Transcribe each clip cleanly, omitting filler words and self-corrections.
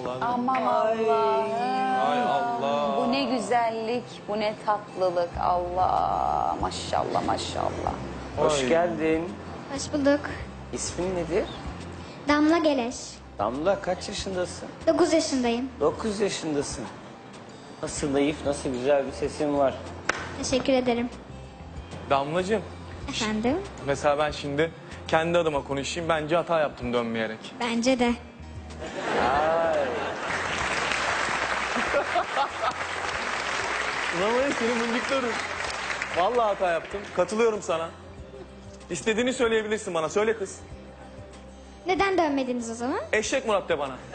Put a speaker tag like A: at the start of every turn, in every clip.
A: Allah'ım.
B: Aman Allah'ım.
A: Ay Allah.
B: Bu ne güzellik, bu ne tatlılık. Allah, maşallah maşallah.
C: Hoş
A: Ay.
C: geldin.
D: Hoş bulduk.
C: İsmin nedir?
D: Damla Geleş.
C: Damla, kaç yaşındasın?
D: 9 yaşındayım.
C: 9 yaşındasın. Nasıl naif, nasıl güzel bir sesin var.
D: Teşekkür ederim.
A: Damlacığım,
D: Efendim?
A: mesela ben şimdi kendi adıma konuşayım. Bence hata yaptım dönmeyerek.
D: Bence de.
C: Ay.
A: Ulan var ya senin mıncıkların. Vallahi hata yaptım. Katılıyorum sana. İstediğini söyleyebilirsin bana. Söyle kız.
D: Neden dönmediniz o zaman?
A: Eşek Murat de bana.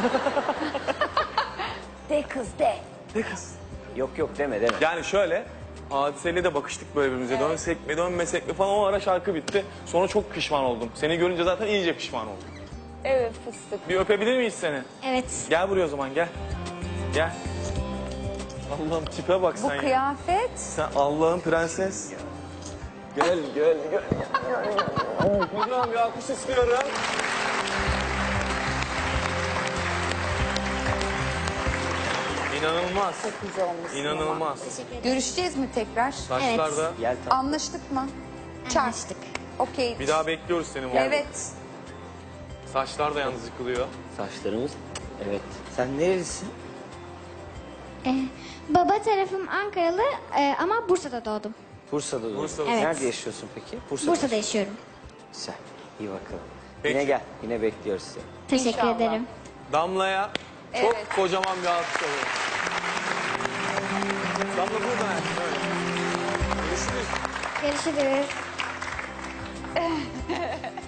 B: De kız de.
A: De kız.
C: Yok yok deme deme.
A: Yani şöyle, Hadise'yle de bakıştık böyle birbirimize. Dönsek mi dönmesek mi falan, o ara şarkı bitti. Sonra çok pişman oldum. Seni görünce zaten iyice pişman oldum.
B: Evet fıstık.
A: Bir öpebilir miyiz seni?
D: Evet.
A: Gel buraya o zaman, gel. Gel. Allah'ım tipe bak
B: Bu
A: sen ya.
B: kıyafet.
A: Sen Allah'ın prenses. Gel gel gel. Hocam bir alkış istiyorum. İnanılmaz.
B: Çok güzel olmuşsun
A: İnanılmaz.
B: ama. Görüşeceğiz mi tekrar?
A: Saçlarda.
C: Gel tamam.
B: Anlaştık mı? Çarp.
D: Anlaştık.
B: Okey.
A: Bir daha bekliyoruz seni. burada.
B: Evet.
A: Saçlar da yalnız yıkılıyor.
C: Saçlarımız. Evet. Sen nerelisin?
D: Baba tarafım Ankaralı ama Bursa'da doğdum.
C: Bursa'da doğdun.
A: Bursa'da.
D: Evet.
C: Nerede yaşıyorsun peki?
D: Bursa'da yaşıyorum.
C: Güzel. İyi bakalım.
A: Peki.
C: Yine gel. Yine bekliyoruz seni.
D: Teşekkür
B: İnşallah.
D: ederim.
A: Damla'ya çok
B: Evet.
A: kocaman bir alkış alıyorum. Damla burada. Evet. Görüşürüz.
D: Görüşürüz.